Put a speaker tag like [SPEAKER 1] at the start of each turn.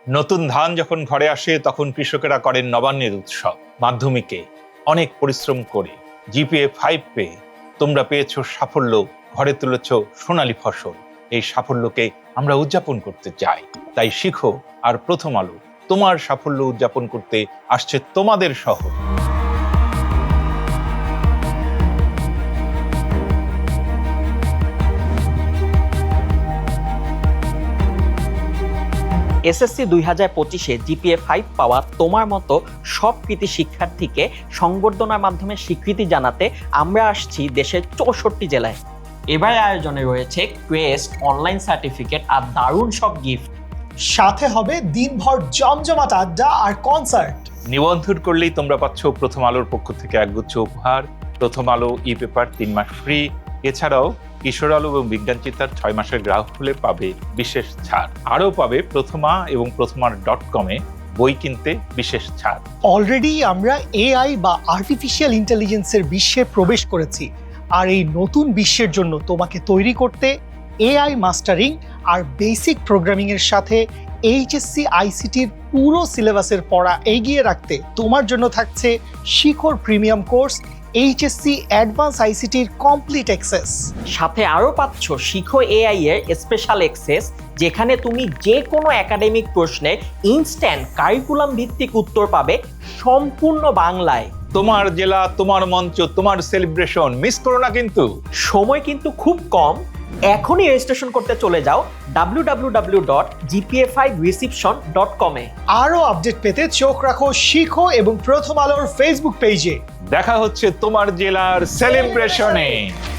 [SPEAKER 1] নতুন ধান যখন ঘরে আসে তখন কৃষকেরা করেন নবান্নের উৎসব। মাধ্যমিকে অনেক পরিশ্রম করে জিপিএ 5 পেয়ে তোমরা পেয়েছো সাফল্য, ঘরে তুলেছ সোনালী ফসল। এই সাফল্যকে আমরা উদযাপন করতে চাই, তাই শিখো আর প্রথম আলো তোমার সাফল্য উদযাপন করতে আসছে তোমাদের শহর।
[SPEAKER 2] এসএসসি 2025-এ জিপিএ 5 পাওয়া তোমার মতো সব কৃতি শিক্ষার্থীকে সংবর্ধনার মাধ্যমে স্বীকৃতি জানাতে আমরা আসছি দেশের 64 জেলায়। এবার আয়োজনে রয়েছে কোয়েস্ট অনলাইন সার্টিফিকেট আর দারুণ সব গিফট।
[SPEAKER 3] সাথে হবে দিনভর জমজমাট আড্ডা আর কনসার্ট।
[SPEAKER 1] নিবন্ধন করলেই তোমরা পাচ্ছ প্রথম আলোর পক্ষ থেকে একগুচ্ছ উপহার, প্রথম আলো ই পেপার 3 মাস ফ্রি। এছাড়াও কিশোর আলো এবং বিজ্ঞান চিত্তার 6 মাসের গ্রাহক হলে পাবে বিশেষ ছাড়। আরও পাবে প্রথমা এবং প্রথমার.com-এ বই কিনতে বিশেষ ছাড়।
[SPEAKER 3] অলরেডি আমরা এআই বা আর্টিফিশিয়াল ইন্টেলিজেন্সের বিশ্বে প্রবেশ করেছি, আর এই নতুন বিশ্বের জন্য তোমাকে তৈরি করতে এআই মাস্টারিং আর বেসিক প্রোগ্রামিং এর সাথে এইচএসসি আইসিটির পুরো সিলেবাসের পড়া এগিয়ে রাখতে তোমার জন্য থাকছে Shikhar premium course, HSC advance আইসিটির কমপ্লিট অ্যাক্সেস।
[SPEAKER 2] সাথে আরও পাচ্ছ শিখো এআই এর স্পেশাল অ্যাক্সেস, যেখানে তুমি যে কোনো একাডেমিক প্রশ্নে ইনস্ট্যান্ট কারিকুলাম ভিত্তিক উত্তর পাবে সম্পূর্ণ বাংলায়।
[SPEAKER 1] তোমার জেলা, তোমার মঞ্চ, তোমার সেলিব্রেশন, মিস করো না কিন্তু।
[SPEAKER 2] সময় কিন্তু খুব কম, এখনই রেজিস্ট্রেশন করতে চলে যাও www.gpa5reception.com-এ।
[SPEAKER 3] আরও আপডেট পেতে চোখ রাখো শিখো এবং প্রথম আলোর ফেসবুক পেজে।
[SPEAKER 1] দেখা হচ্ছে তোমার জেলার সেলিব্রেশনে।